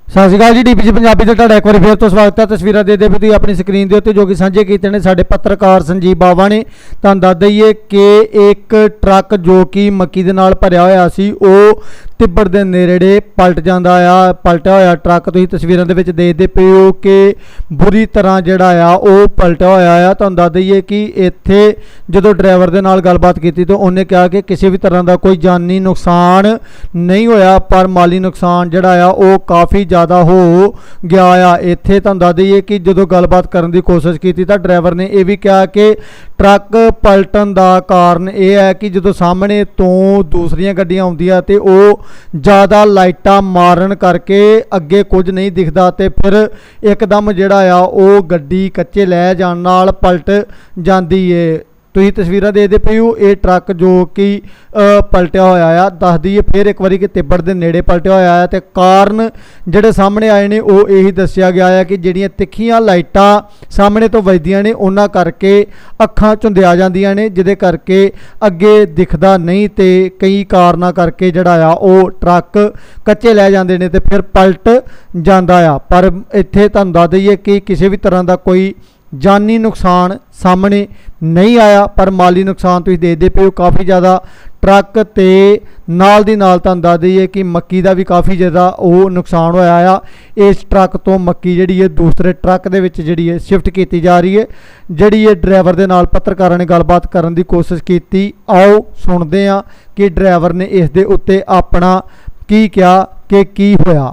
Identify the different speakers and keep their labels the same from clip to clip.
Speaker 1: ਸਤਿ ਸ਼੍ਰੀ ਅਕਾਲ ਜੀ। DPG ਪੰਜਾਬੀ ਤੇ ਤੁਹਾਡਾ ਇੱਕ ਵਾਰੀ ਫੇਰ ਤੋਂ ਸਵਾਗਤ ਹੈ। ਤਸਵੀਰਾਂ ਦੇ ਵੀ ਤੁਸੀਂ ਆਪਣੀ ਸਕਰੀਨ ਦੇ ਉੱਤੇ ਜੋ ਕਿ ਸਾਂਝੇ ਕੀਤੇ ਨੇ ਸਾਡੇ ਪੱਤਰਕਾਰ ਸੰਜੀਵ ਬਾਵਾ ਨੇ। ਤੁਹਾਨੂੰ ਦੱਸ ਦਈਏ ਕਿ ਇੱਕ ਟਰੱਕ ਜੋ ਕਿ ਮੱਕੀ ਦੇ ਨਾਲ ਭਰਿਆ ਹੋਇਆ ਸੀ ਉਹ ਤਿੱਬੜ ਦੇ ਨੇੜੇ ਪਲਟਿਆ ਹੋਇਆ ਟਰੱਕ ਤੁਸੀਂ ਤਸਵੀਰਾਂ ਦੇ ਵਿੱਚ ਦੇਖਦੇ ਪਏ ਹੋ ਕਿ ਬੁਰੀ ਤਰ੍ਹਾਂ ਜਿਹੜਾ ਆ ਉਹ ਪਲਟਿਆ ਹੋਇਆ ਆ। ਤੁਹਾਨੂੰ ਦੱਸ ਦਈਏ ਕਿ ਇੱਥੇ ਜਦੋਂ ਡਰਾਈਵਰ ਦੇ ਨਾਲ ਗੱਲਬਾਤ ਕੀਤੀ ਤਾਂ ਉਹਨੇ ਕਿਹਾ ਕਿ ਕਿਸੇ ਵੀ ਤਰ੍ਹਾਂ ਦਾ ਕੋਈ ਜਾਨੀ ਨੁਕਸਾਨ ਨਹੀਂ ਹੋਇਆ, ਪਰ ਮਾਲੀ ਨੁਕਸਾਨ ਜਿਹੜਾ ਆ ਉਹ ਕਾਫੀ ਜ਼ਿਆਦਾ ਹੋ ਗਿਆ ਆ। ਇੱਥੇ ਤੁਹਾਨੂੰ ਦੱਸ ਦਈਏ ਕਿ ਜਦੋਂ ਗੱਲਬਾਤ ਕਰਨ ਦੀ ਕੋਸ਼ਿਸ਼ ਕੀਤੀ ਤਾਂ ਡਰਾਈਵਰ ਨੇ ਇਹ ਵੀ ਕਿਹਾ ਕਿ ਟਰੱਕ ਪਲਟਣ ਦਾ ਕਾਰਨ ਇਹ ਹੈ ਕਿ ਜਦੋਂ ਸਾਹਮਣੇ ਤੋਂ ਦੂਸਰੀਆਂ ਗੱਡੀਆਂ ਆਉਂਦੀਆਂ ਤੇ ਉਹ ਜ਼ਿਆਦਾ ਲਾਈਟਾਂ ਮਾਰਨ ਕਰਕੇ ਅੱਗੇ ਕੁਝ ਨਹੀਂ ਦਿਖਦਾ ਤੇ ਫਿਰ ਇੱਕਦਮ ਜਿਹੜਾ ਆ ਉਹ ਗੱਡੀ ਕੱਚੇ ਲੈ ਜਾਣ ਨਾਲ ਪਲਟ ਜਾਂਦੀ ਏ। ਤੁਸੀਂ ਤਸਵੀਰਾਂ ਦੇਖਦੇ ਪਏ ਹੋ ਇਹ ਟਰੱਕ ਜੋ ਕਿ ਪਲਟਿਆ ਹੋਇਆ ਆ। ਦੱਸ ਦਈਏ ਫਿਰ ਇੱਕ ਵਾਰੀ ਕਿ ਤਿੱਬੜ ਦੇ ਨੇੜੇ ਪਲਟਿਆ ਹੋਇਆ ਆ ਤੇ ਕਾਰਨ ਜਿਹੜੇ ਸਾਹਮਣੇ ਆਏ ਨੇ ਉਹ ਇਹੀ ਦੱਸਿਆ ਗਿਆ ਆ ਕਿ ਜਿਹੜੀਆਂ ਤਿੱਖੀਆਂ ਲਾਈਟਾਂ ਸਾਹਮਣੇ ਤੋਂ ਵੱਜਦੀਆਂ ਨੇ ਉਹਨਾਂ ਕਰਕੇ ਅੱਖਾਂ ਝੁੰਦਿਆ ਜਾਂਦੀਆਂ ਨੇ, ਜਿਹਦੇ ਕਰਕੇ ਅੱਗੇ ਦਿਖਦਾ ਨਹੀਂ ਤੇ ਕਈ ਕਾਰਨਾਂ ਕਰਕੇ ਜਿਹੜਾ ਆ ਉਹ ਟਰੱਕ ਕੱਚੇ ਲੈ ਜਾਂਦੇ ਨੇ ਤੇ ਫਿਰ ਪਲਟ ਜਾਂਦਾ ਆ। ਪਰ ਇੱਥੇ ਤੁਹਾਨੂੰ ਦੱਸ ਦਈਏ ਕਿ ਕਿਸੇ ਵੀ ਤਰ੍ਹਾਂ ਦਾ ਕੋਈ ਜਾਨੀ ਨੁਕਸਾਨ ਸਾਹਮਣੇ ਨਹੀਂ ਆਇਆ, ਪਰ ਮਾਲੀ ਨੁਕਸਾਨ ਤੁਸੀਂ ਦੇਖਦੇ ਪਏ ਹੋ ਕਾਫੀ ਜ਼ਿਆਦਾ। ਟਰੱਕ ਤੇ ਨਾਲ ਦੀ ਨਾਲ ਤੁਹਾਨੂੰ ਦੱਸ ਦਈਏ ਕਿ ਮੱਕੀ ਦਾ ਵੀ ਕਾਫੀ ਜ਼ਿਆਦਾ ਉਹ ਨੁਕਸਾਨ ਹੋਇਆ ਆ। ਇਸ ਟਰੱਕ ਤੋਂ ਮੱਕੀ ਜਿਹੜੀ ਹੈ ਦੂਸਰੇ ਟਰੱਕ ਦੇ ਵਿੱਚ ਜਿਹੜੀ ਹੈ ਸ਼ਿਫਟ ਕੀਤੀ ਜਾ ਰਹੀ ਹੈ। ਜਿਹੜੀ ਇਹ ਡਰਾਈਵਰ ਦੇ ਨਾਲ ਪੱਤਰਕਾਰਾਂ ਨੇ ਗੱਲਬਾਤ ਕਰਨ ਦੀ ਕੋਸ਼ਿਸ਼ ਕੀਤੀ, ਆਓ ਸੁਣਦੇ ਹਾਂ ਕਿ ਡਰਾਈਵਰ ਨੇ ਇਸ ਦੇ ਉੱਤੇ ਆਪਣਾ ਕੀ ਕਿਹਾ ਕਿ ਕੀ ਹੋਇਆ।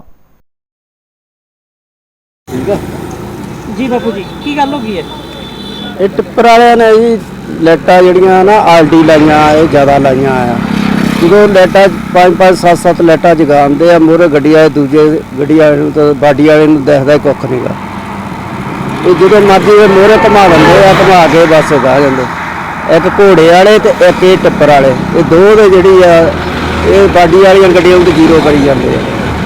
Speaker 2: ਠੀਕ ਹੈ
Speaker 3: जी बापू जी की गल हो गई है?
Speaker 2: ਇਹ ਟਿੱਪਰ ਵਾਲਿਆਂ ਨੇ ਜੀ ਲਾਈਟਾਂ ਜਿਹੜੀਆਂ ਨਾ ਆਲਟੀ ਲਾਈਆਂ ਇਹ ਜ਼ਿਆਦਾ ਲਾਈਆਂ ਆ। ਜਦੋਂ ਲਾਈਟਾਂ 5-5 7-7 ਲਾਈਟਾਂ ਜਗਾਉਂਦੇ ਆ ਮੂਹਰੇ ਗੱਡੀ ਆਏ ਦੂਜੇ ਗੱਡੀ ਵਾਲੇ ਨੂੰ ਤਾਂ ਬਾਡੀ ਵਾਲੇ ਨੂੰ ਦਿਖਦਾ ਕੁੱਖ ਨਹੀਂਗਾ। ਇਹ ਜਦੋਂ ਮਰਜ਼ੀ ਇਹ ਮੂਹਰੇ ਘੁਮਾ ਦਿੰਦੇ ਆ, ਘੁਮਾ ਕੇ ਬਸ ਗਾ ਜਾਂਦੇ। ਇੱਕ ਘੋੜੇ ਵਾਲੇ ਤੇ ਇੱਕ ਇਹ ਟਿੱਪਰ ਵਾਲੇ, ਇਹ ਦੋ ਦੇ ਜਿਹੜੀ ਆ ਇਹ ਬਾਡੀ ਵਾਲੀਆਂ ਗੱਡੀਆਂ ਨੂੰ ਜ਼ੀਰੋ ਕਰੀ ਜਾਂਦੇ ਆ।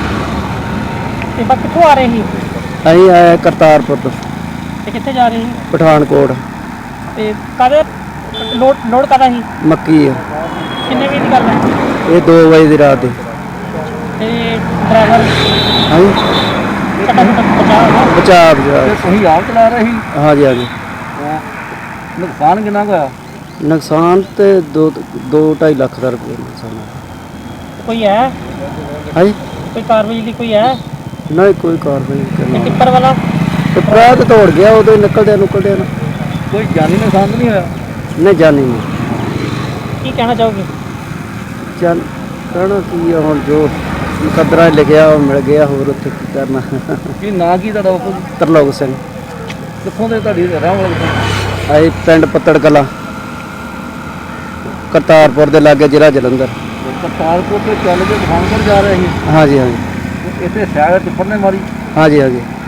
Speaker 3: ਤੇ ਬਸ ਕਿੱਥੋਂ ਆ ਰਹੇ ਸੀ?
Speaker 2: ਅਸੀਂ ਆਏ ਕਰਤਾਰਪੁਰ ਤੋਂ
Speaker 3: ਤੇ ਕਿੱਥੇ ਜਾ ਰਹੇ ਸੀ?
Speaker 2: ਪਠਾਨਕੋਟ।
Speaker 3: ਤੇ ਕਾਹਦੇ ਲੋਡ ਕਾਹਦਾ ਸੀ?
Speaker 2: ਮੱਕੀ ਆ।
Speaker 3: ਕਿੰਨੇ ਵਜੇ ਦੀ ਗੱਲ ਹੈ?
Speaker 2: ਇਹ 2 ਵਜੇ ਦੀ ਰਾਤ ਦੀ।
Speaker 3: ਤੇ ਡਰਾਈਵਰ
Speaker 2: ਹਾਂਜੀ
Speaker 3: ਬਚਾ
Speaker 2: ਬਚਾ
Speaker 1: ਤੁਸੀਂ ਆਪ ਚਲਾ ਰਹੇ ਸੀ?
Speaker 2: ਹਾਂਜੀ ਹਾਂਜੀ।
Speaker 1: ਨੁਕਸਾਨ ਕਿੰਨਾ ਕੁ ਹੋਇਆ?
Speaker 2: ਨੁਕਸਾਨ ਤੇ 2-2.5 ਲੱਖ ਦਾ ਰੁਪਏ ਨੁਕਸਾਨ ਹੋਇਆ।
Speaker 3: ਕੋਈ ਹੈ?
Speaker 2: ਹਾਂਜੀ
Speaker 3: ਕੋਈ ਕਾਰਵਾਈ ਦੀ ਕੋਈ ਹੈ?
Speaker 2: ਨਹੀਂ ਕੋਈ ਕਾਰਵਾਈ ਨਹੀਂ
Speaker 3: ਤੇ
Speaker 2: ਕਰਨੀ।
Speaker 3: ਟਿੱਪਰ ਵਾਲਾ
Speaker 2: ਟਿੱਪਰ ਤੇ ਤੋੜ ਗਿਆ ਉਦੋਂ ਹੀ ਨਿਕਲਦੇ ਨਾ
Speaker 1: ਕੋਈ ਜਾਨੀ ਨੁਕਸਾਨ ਨਹੀਂ ਹੋਇਆ?
Speaker 2: ਨਹੀਂ ਜਾਣੀ ਨਹੀਂ।
Speaker 3: ਕੀ ਕਹਿਣਾ ਚਾਹੋਗੇ?
Speaker 2: ਚੱਲ ਕਹਿਣਾ ਕੀ ਆ ਹੁਣ ਜੋ ਮੁਕੱਦਰਾ ਲਿਖਿਆ ਉਹ ਮਿਲ ਗਿਆ, ਹੋਰ ਉੱਥੇ ਕੀ ਕਰਨਾ।
Speaker 1: ਕੀ ਨਾਂ ਕੀ ਤੁਹਾਡਾ ਬਾਪੂ ਜੀ?
Speaker 2: ਤਰਲੋਕ ਸਿੰਘ।
Speaker 1: ਕਿੱਥੋਂ ਦੇ ਤੁਹਾਡੀ ਰਹਿਣ ਵਾਲੇ?
Speaker 2: ਅਸੀਂ ਪਿੰਡ ਪੱਤੜ ਕਲਾਂ ਕਰਤਾਰਪੁਰ ਦੇ ਲਾਗੇ ਜ਼ਿਲ੍ਹਾ ਜਲੰਧਰ।
Speaker 1: ਕਰਤਾਰਪੁਰ ਤੋਂ ਚੱਲ ਕੇ ਪਠਾਨਕੋਟ ਜਾ ਰਹੇ ਸੀ?
Speaker 2: ਹਾਂਜੀ ਹਾਂਜੀ
Speaker 1: ਇੱਥੇ ਸਾਈਡ ਟਿੱਪਰ ਨੇ ਮਾਰੀ?
Speaker 2: ਹਾਂਜੀ ਹਾਂਜੀ।